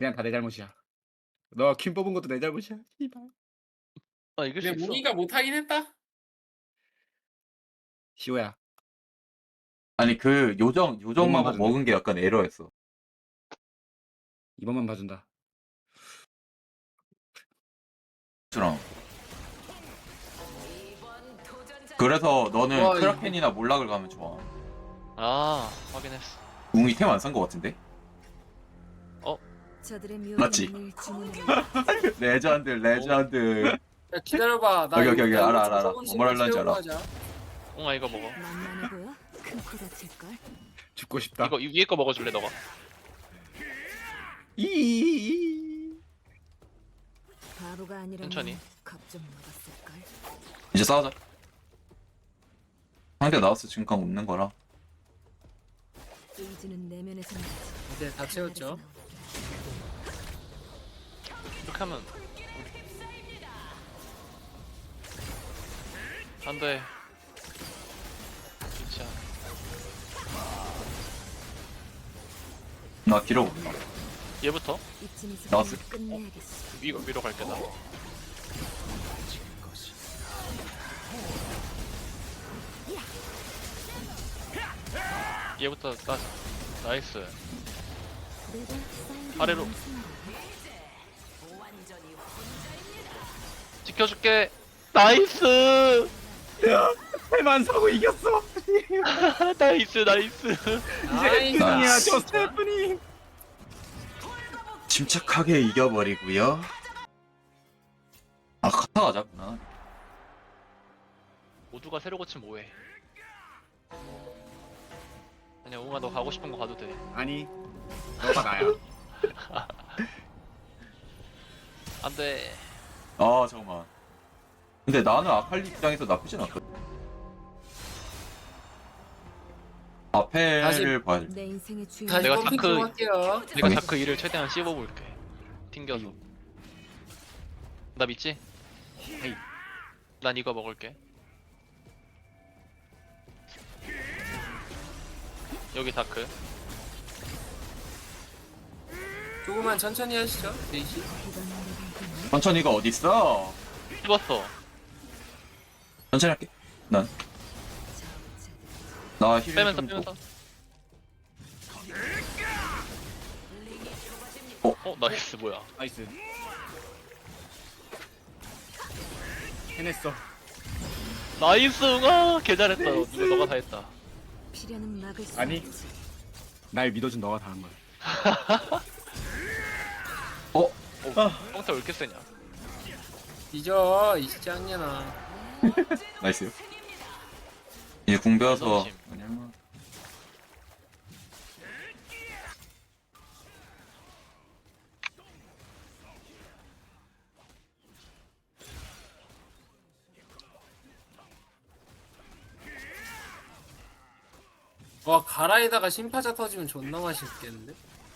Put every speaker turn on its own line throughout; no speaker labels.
그냥 다 내 잘못이야. 너 퀸 뽑은 것도 내 잘못이야. 씨발.
아 이길 수
근데
있어.
무기가 못하긴 했다.
시호야.
아니 그 요정
이번만
마법
봐준다.
먹은 게 약간 에러였어.
이번만 봐준다.
주랑. 그래서 너는
와,
크라켄이나 몰락을 가면 좋아.
아 확인했어.
웅이 템 안 산 거 같은데? 맞지? 레전드.
야, 기다려봐. 나
여기,
이거
여기,
이거
알아, 알아.
조금씩만
뭘 하려는지
채우고
알아.
하자.
웅아 이거 먹어.
만만해 보여? 큰 코 다칠걸?
죽고 싶다.
이거 위에 거 먹어줄래 너가?
이.
바보가 아니라
천천히.
겁좀 먹었을걸?
이제 싸우자. 상대 나왔어 지금까지 웃는 거라.
의지는 내면에서 나지.
이제 다 채웠죠.
이렇게 하면 안돼. 진짜
나 길어 볼까?
얘부터
이쯤에서
나왔어.
끝내야겠어.
위로 갈게 나. 얘부터 따자. 나이스.
내가 사이렌
아래로.
연습한다.
지켜줄게. 나이스.
템안 사고 이겼어.
나이스.
이제
나이스.
승이야 저 스테프니.
침착하게 이겨버리고요. 아 카타 가자구나.
모두가 새로 고침 뭐해? 아니야 웅아 너 가고 싶은 거 가도 돼.
아니. 너가 나야.
안돼.
아 잠깐만. 근데 나는 아칼리 입장에서 나쁘진 않거든. 아펠을
다시-
봐야 돼.
내 인생의 주인.
다시
내가
펌핑
다크-
좀 할게요.
내가
아니.
다크 일을 최대한 씹어볼게. 튕겨서. 나 믿지?
헤이.
난 이거 먹을게. 여기 다크.
조금만 천천히 하시죠. 데이시.
이건 내가 이겼네.
천천히가 어딨어?
씹었어.
천천히 할게. 나 힐
빼면서
좀
빼면서. 나이스 뭐야?
나이스. 해냈어.
나이스 웅아 개 잘했다. 누가 너가 다 했다.
피려는 막을 수
아니.
없지.
날 믿어준 너가 다 한 거야.
형태 왜 이렇게 세냐?
잊어 이 짱년아.
나이스요. 이제 궁 배워서
너무
아니면
와 가라에다가 심파자 터지면 존나 맛있겠는데?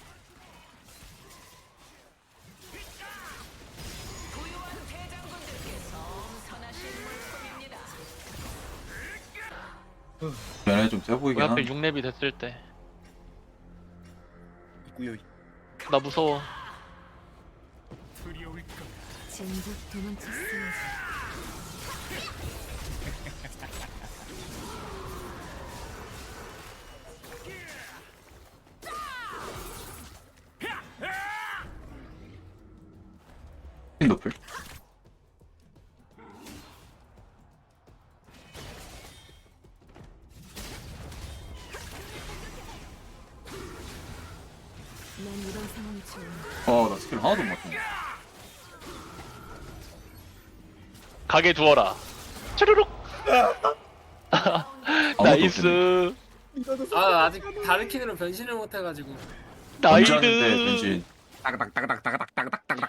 면에 좀 세
우리
보이긴
하필
한데.
6렙이 됐을 때.
있구요.
나 무서워.
진작 도망쳤어야지.
핀 노플.
난 이런 상황이 좋아.
나 스킬 하나도 못 맞췄네.
가게 두어라. 쭈루룩.
아무것도
나이스.
아 아직 다르킨으로 변신을 못해가지고.
언제 하는데
나이스.
변신.
따그닥 따그닥 따그닥 따그닥 따그닥.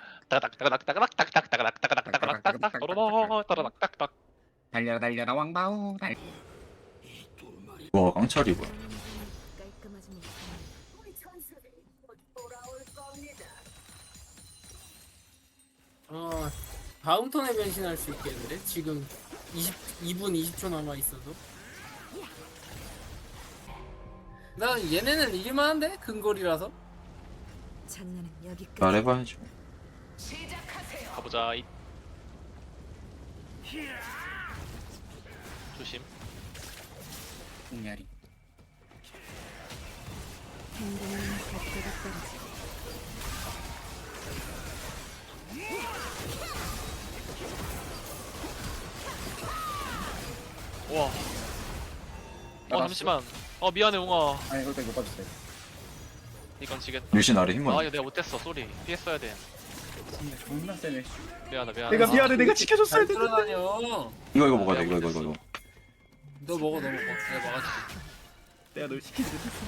따닥따닥따닥따닥따닥따닥따닥따닥따닥따닥따닥따닥따닥.
달려라 달려라 왕바오.
와 깡차리 뭐야?
깔끔하지 못해.
다음 턴에 변신할 수 있겠는데? 지금 2분 20초 남아 있어도. 난 얘네는 이길만한데? 근거리라서.
장난은 여기까지.
말해봐야지.
가보자. 조심.
공야리.
행동은 각도가 떨어지.
와.
나갔어?
잠시만. 미안해 웅아.
아니 일단 이거 빠졌어요.
이건 지겠다.
유신 아래
아
힘만.
이거 내가 못했어. 쏘리. 피했어야 돼.
진짜 존나 세네.
미안하다.
내가 미안해. 내가 지켜줬어야
잘
되는데.
돌아다녀.
이거 먹어야 돼.
내가
이거.
못했어.
너 먹어. 내가 막아줄게.
내가 널 시키지 못했어.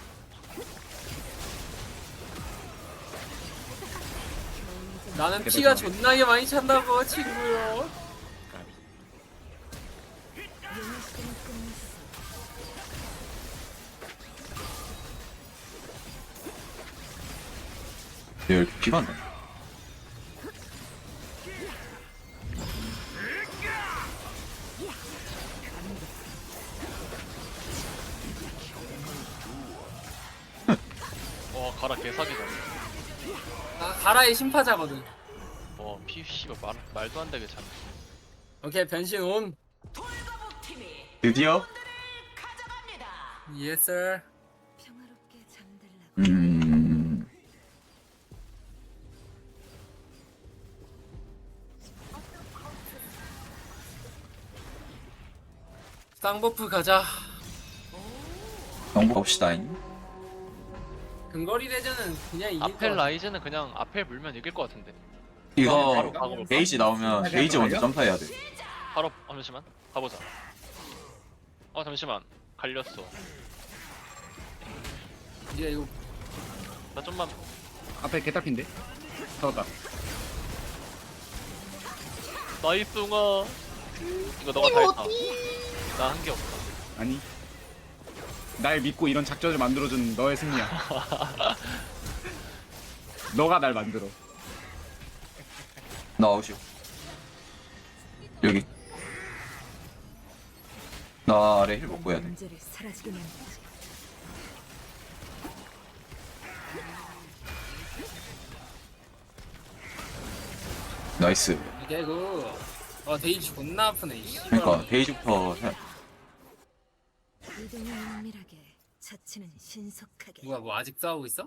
나는 피가 존나게 많이 찬다고 친구요.
용의 시간은 끝났어.
얘 이렇게 피가 안 나.
와 가라 개사기다.
나 가라의 심파자거든.
피 씨발 말도 안 되게 참.
오케이 변신 온.
드디어.
Yes sir.
평화롭게 잠들라고.
쌍버프 가자.
정보 봅시다잉.
근거리 대전은 그냥 이길 거
아펠
같아.
라이즈는 그냥 아펠 물면 이길 것 같은데.
이거
바로 가고
게이지 나오면 게이지 먼저 점사해야 돼.
바로 잠시만 가보자. 잠시만 갈렸어.
이제 이거
나 좀만.
앞에 개딱인데. 잡았다.
나이스 웅아. 이거 너가 다 했다. 나 한 게 없어.
아니. 날 믿고 이런 작전을 만들어준 너의 승리야. 너가 날 만들어.
나 아웃이요. 여기. 나 아래 힐 먹고 해야 돼.
문제를 사라지게 만들지.
나이스.
이게 이거 데이지 존나 아프네. 이 씨발.
그러니까 게이지부터 해.
이동은 은밀하게, 자치는 신속하게.
누가 뭐 아직 싸우고 있어?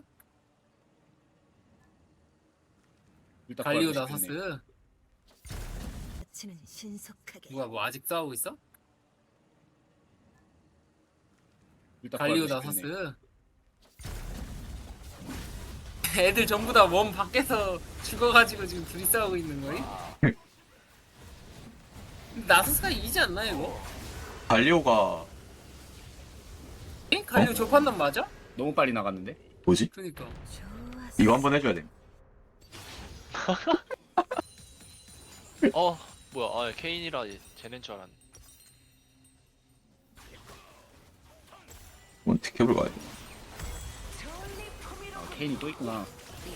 일단
갈리오
구하고 싶은데.
나서스.
자치는 신속하게.
누가 뭐 아직 싸우고 있어?
일단
갈리오
구하고 싶은데.
나서스. 애들 전부 다 몸 밖에서 죽어가지고 지금 둘이 싸우고 있는 거임? 나서스가 이기지 않나 이거?
갈리오가
갈리오 저 판단 맞아?
너무 빨리 나갔는데.
뭐지?
그니까.
좋았어.
이거 한번 해줘야 돼.
뭐야. 케인이라 쟤넨 줄 알았네.
이건 티켓을 가야 돼.
케인이 또 있구나.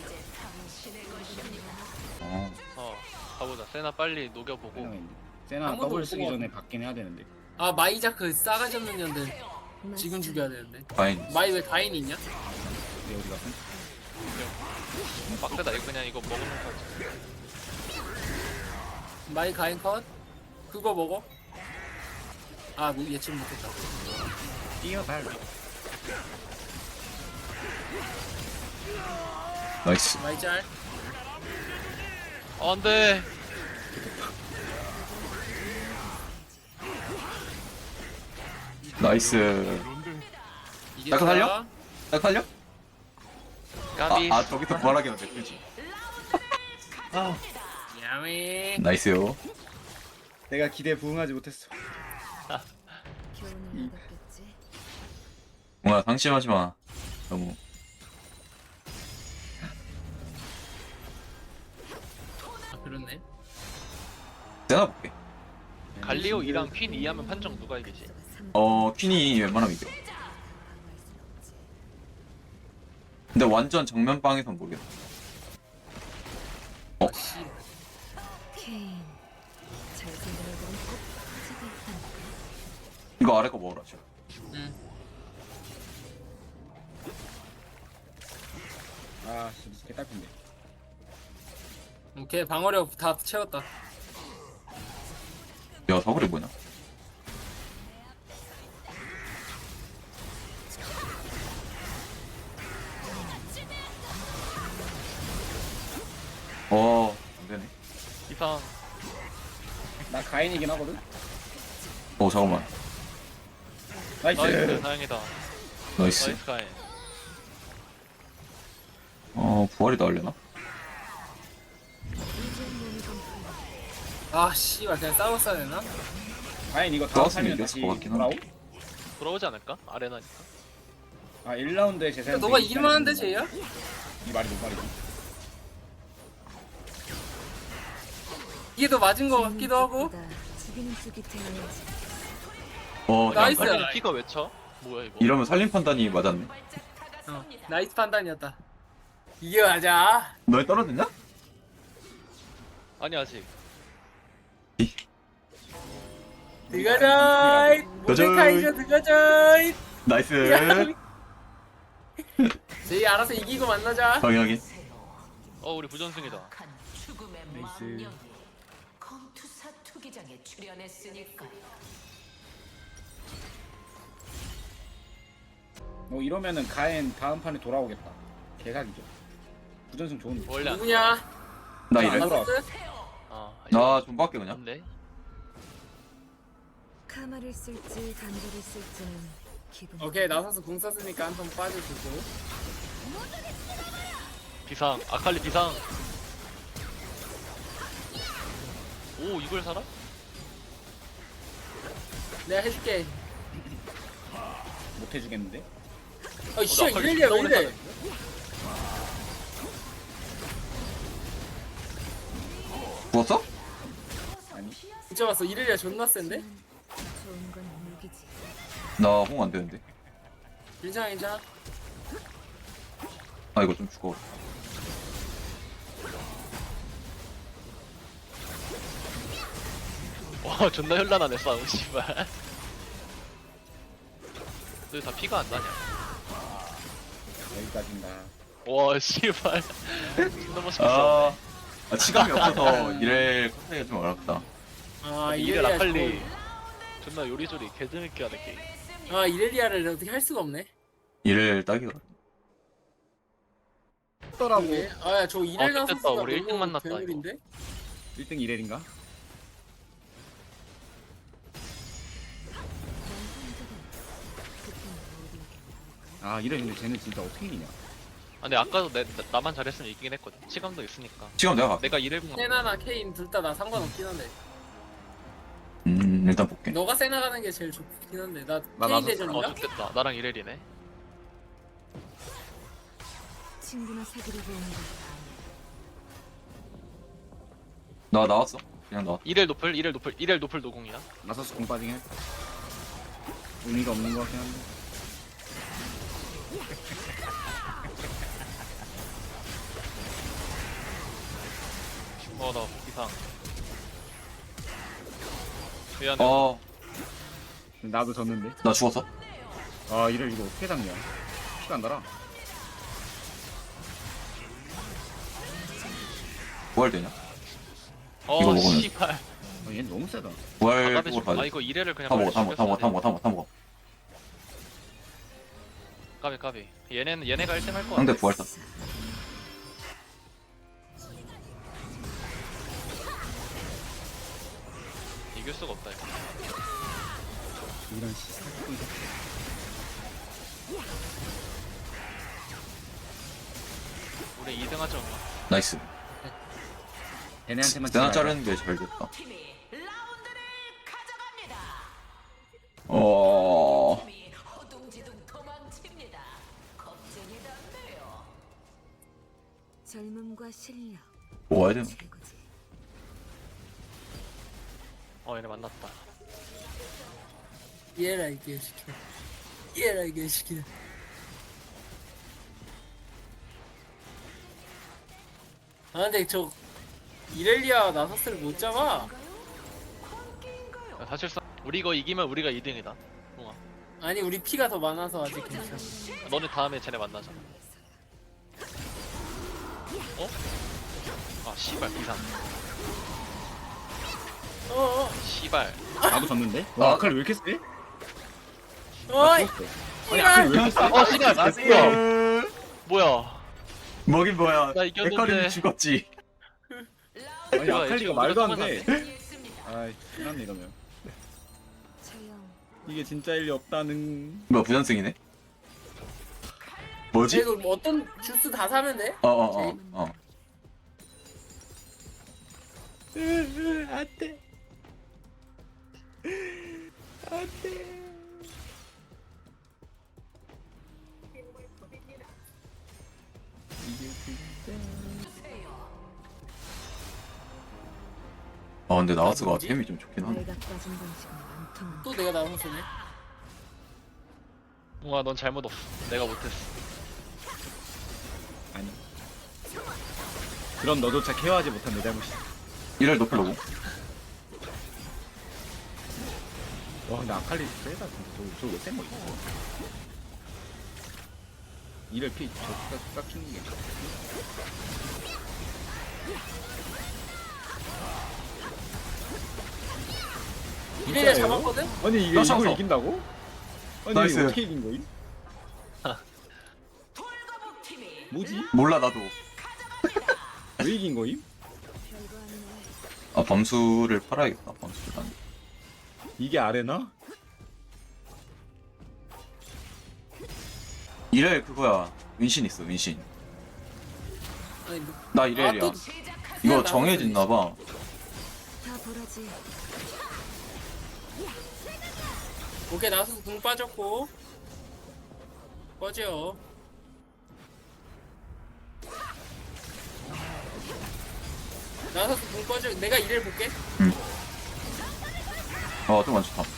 가보자. 세나 빨리 녹여보고.
세나가 세나
한 번도
더블
못
쓰기
뽑아.
전에 받긴 해야 되는데.
아 마이자크 싸가지 없는 년들 지금 죽여야 되는데.
파인.
마이 왜 가인이 있냐?
내 어디 갔어?
빡세다. 이거 그냥 이거 먹는 거지.
마이 가인 컷. 그거 먹어. 아 뭐 예측 못했다.
뛰어달.
나이스.
마이 짤.
안돼.
나이스.
이게
나도 살려? 딱 살려?
까비.
저기서 부활하게 하면 그지.
야미.
나이스요.
내가 기대에 부응하지 못했어.
교훈을 얻었겠지.
뭔가 상심하지 마. 너무.
아 그렇네.
세나 볼게.
갈리오 2랑 퀸 2 하면 판정 누가 이기지?
퀸이 웬만하면 이겨.
방어할 순 없지.
근데 완전 정면방에선 모르겠어.
씨.
케인. 잘 생각해보면 꼭 화제가 있다니까.
이거 아래 거 먹으라, 지금.
응.
아 진짜 개딸핀데.
오케이 방어력 다 채웠다.
야 사거리 뭐냐? 안되네.
이상.
나 가인이긴 하거든.
잠깐만.
나이스.
나이스 다행이다.
나이스.
나이스 가인.
부활이 나올려나?
아 씨발 그냥 싸웠어야 되나?
가인 이거 다음
싸웠으면
타면
이겼을
다시
것 같긴
돌아오?
한데.
돌아오지 않을까? 아레나니까.
아 1라운드에 제 생각.
너가 이길만한데 쟤야?
이 말이 뭔 말이지?
이게 더 맞은 거 같기도 하고.
죽이는 쪽이 되어야지.
나이스.
아니 피가 왜 쳐? 뭐야 이거?
이러면 살림 판단이 맞았네.
나이스 판단이었다. 이겨가자.
너희 떨어졌냐?
아니 아직.
들어가자. 모데카이저 들어가자.
나이스.
저희 알아서 이기고 만나자.
당연하게.
우리 부전승이다.
죽음의
나이스.
망령이 검투사 투기장에 출연했으니까요.
뭐 이러면은 가인 다음 판에 돌아오겠다. 개각이죠. 부전승 좋은데.
원래 안.
누구냐?
나
안
이래.
돌아.
나 좀 밖에 그냥.
근데
카마를 쓸지 단절을 쓸지는 기분.
오케이 나서서 공 썼으니까 한 번 빠져주고.
비상. 아칼리 비상. 오 이걸 살아?
내가 해줄게.
못 해주겠는데.
아 씨발 이렐리아 왜 이래?
부었어?
아니.
진짜 봤어 이렐리아 존나 센데?
좋은 건 무기지.
나 홍 안 되는데.
괜찮아 괜찮아.
아 이거 좀 죽어.
와 존나 현란하네 싸움 씨발. 너 다 피가 안 나냐?
여기까지인가.
와 씨발. 존나 멋있게 싸우네.
치감이 없어서 이래 컨택이 좀 어렵다.
아
이래
이렐리아
아칼리 존나 요리조리 개재밌게 하는 게임.
아 이렐리아를 어떻게 할 수가 없네.
이래 딱이다.
더라고.
아저 이렐
됐다.
나서스가
우리 일등
너무
만났다,
괴물인데?
1등 1렐인가? 아 이래 근데 쟤는 진짜 어떻게 이기냐.
아 근데 아까도 나만 잘했으면 이기긴 했거든. 치감도 있으니까.
치감 내가 갈게.
내가 이래공
세나나 케인 둘 다 나 상관없긴 한데
일단 볼게.
너가 세나 가는 게 제일 좋긴 한데 나
나
케인
나서-
대전인가?
좋겠다. 나랑 이래리네.
친구나 사귀려고 오는 거.
나 나왔어. 그냥 나왔.
이렐 노플 노공이야.
나서스 공 빠지긴 해. 의미가 없는 것 같긴 한데.
나 이상. 미안해.
나도 졌는데.
나 죽었어.
아 이래 이거 어떻게 잡냐. 피가 안 달아.
부활 되냐? 이거 먹으면.
씨발.
아, 얘 너무 세다.
부활
아까비
쪽으로 가야 돼.
이거 이래를 그냥
다 먹어,
빨리
다 먹어, 다 먹어, 다
죽였어야
먹어, 다 먹어, 다 먹어.
돼. 까비. 얘네가 1등 할 거야.
상대 부활 다.
이길 수가 없다 이거.
이런 씨. 사기꾼 새끼.
우리 2등 하자.
나이스.
걔네한테만
대나
치지 말자.
자르는 게 잘 됐다.
팀이 라운드를 가져갑니다. 팀이 허둥지둥 도망칩니다. 겁쟁이던데요.
젊음과 실력
모아야 되나?
최고지.
얘네 만났다.
얘라 이게 시켜. 얘라 이게 시켜. 아 근데 저 이렐리아 나서스를 못 잡아.
야, 사실상 우리 이거 이기면 우리가 2등이다. 동아.
아니 우리 피가 더 많아서 아직 괜찮아.
너네 다음에 쟤네 만나자. 어? 아 씨발 이상.
어어
씨발.
나도 졌는데? 와 아칼리 왜 이렇게 세?
어이
아니 아칼리 왜 이렇게 세?
어 씨발 뭐야? 뭐야?
뭐긴 뭐야.
나 이겼는데.
에카림이 죽었지.
아니
뭐야,
아칼리가
지금
말도
우리가
안돼
승리했습니다.
아이 끝났네 이러면
처형.
이게 진짜 일리 없다는
뭐야 부전승이네? 뭐지?
이거 뭐 어떤 주스 다 사면 돼?
어.
안돼 안돼
근데 나와스가
뭐지?
템이 좀 좋긴 하네.
내가 빠진 방식은 안 통한다.
또 내가 나와서 쓰네.
몽아 넌 잘못 없어. 내가 못했어.
아니 그럼 너조차 케어하지 못한 내 잘못이야
이를 높이려고.
와 근데 아칼리 세다 진짜 저거 왜센 거야 이를 저 깎이는 게
이래야
진짜예요?
잡았거든?
아니 이게
떴어,
이걸
떴어.
이긴다고? 아니
나이스.
이거 어떻게 이긴 거임?
돌거북 팀이
뭐지?
몰라 나도.
왜 이긴 거임?
별거 아니네.
아 범수를 팔아야겠다. 범수를 안.
이게 아레나?
이렐 그거야. 은신 있어 은신.
아니 뭐,
나 이렐이야.
또
이거 정해졌나봐.
다 보라지.
오케이 나와서 궁 빠졌고 꺼져. 나와서 궁 꺼져. 내가 이를 볼게.
좀 안 좋다.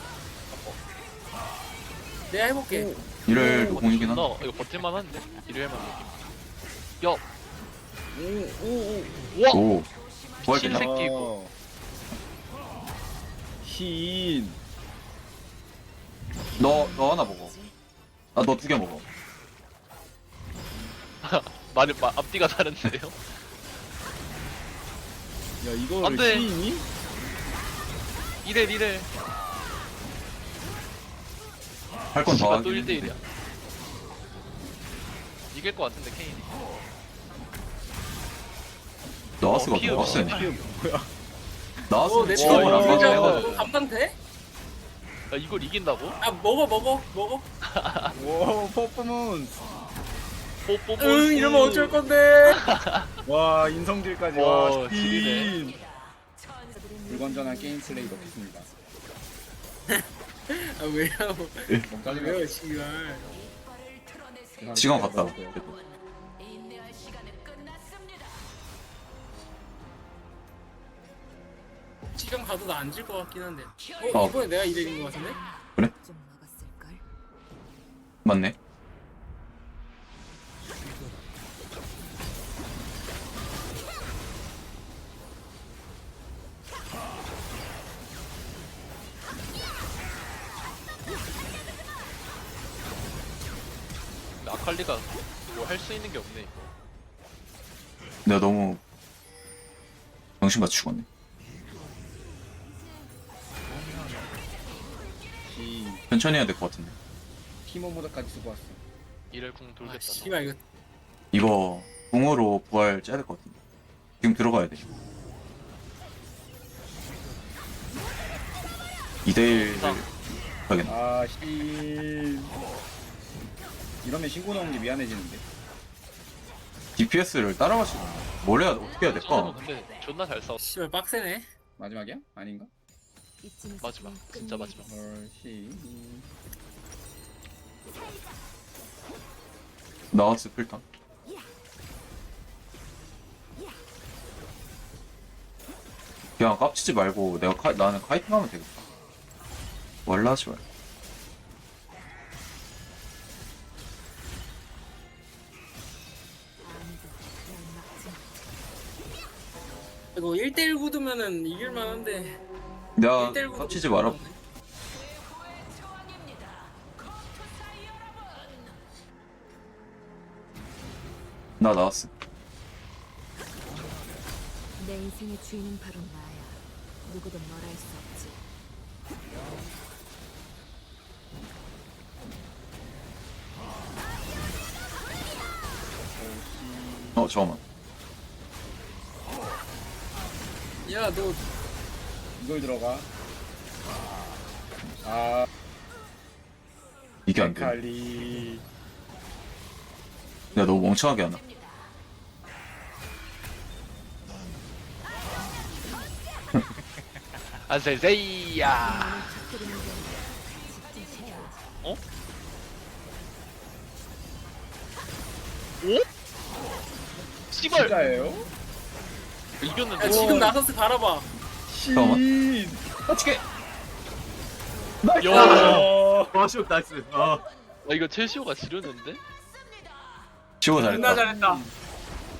내가 해볼게.
이렐 공이긴
나
한데.
이거 버틸만한데. 일요일만 느낌. 야. 오오오. 와.
오. 부활
신
됐나?
새끼 이거.
신
너 하나 먹어. 아 너 두 개 먹어.
말이 앞뒤가 다른데요?
야 이거를
안 돼.
신이?
이래.
할 건 더
씨발 또
하긴
1대1이야. 이길 것 같은데 케인이.
나와스가
피읍,
더 빡세네.
이게 뭐야
나와스는
내
지원을 안
이거
가져.
해가지고.
너 감당 돼?
야 이걸 이긴다고?
아 먹어.
와 퍼포먼스
뽀뽀.
응 이러면 어쩔 건데.
와 인성질까지
와,
와
지리네.
신 불건전한 게임 플레이 넣겠습니다
아 왜요?
몸까지
왜요 씨발.
시간 갔다.
인내할 시간은 끝났습니다.
지금 가도 나 안 질 것 같긴 한데.
어.
이번에 내가 이긴 것 같은데?
좀 막았을걸.
맞네.
근데 아칼리가 뭐 할 수 있는 게 없네 이거.
내가 너무 정신같이 죽었네.
신
천천히 해야 될 것 같은데.
티모 모드까지 쓰고 왔어
이럴 궁
아
돌겠다.
씨발 이거
이거 궁으로 부활 짜야 될 것 같은데. 지금 들어가야 돼. 2대1을 가겠네.
아신 이러면 신고 나오는 게 미안해지는데
DPS를 따라갈 수가 없네. 뭘 해야 어떻게 해야
저는
될까?
근데 존나 잘 싸웠어.
씨발 빡세네.
마지막이야? 아닌가?
이쯤에서
마지막.
그냥
진짜
끝내야지.
마지막.
헐신
나와스 필턴. 그냥 깝치지 말고 나는 카이팅 하면 되겠다. 원래 하지 말고.
아무도 날 막지 마.
이거 1대1 구두면은 이길만 한데.
내가
1대1 구도
깝치지 마라.
최후의 초원입니다. 컴투사 여러분.
나 나왔어.
내 인생의 주인은 바로 나야. 누구도 뭘 할 수 없지.
잠깐만.
야, 너
이걸 들어가. 아,
이게 안 돼.
칼리.
내가 너무 멍청하게 하나.
아세세이야.
터뜨리는 게 직접 해야지.
오? 씨발
진짜예요?
이겼는데.
야, 지금 나서스 바라봐.
잠깐만.
어떻게?
야.
와쇼 나이스. 아.
이거 첼시오가 지르는데?
치고
존나
잘했다.
잘했다.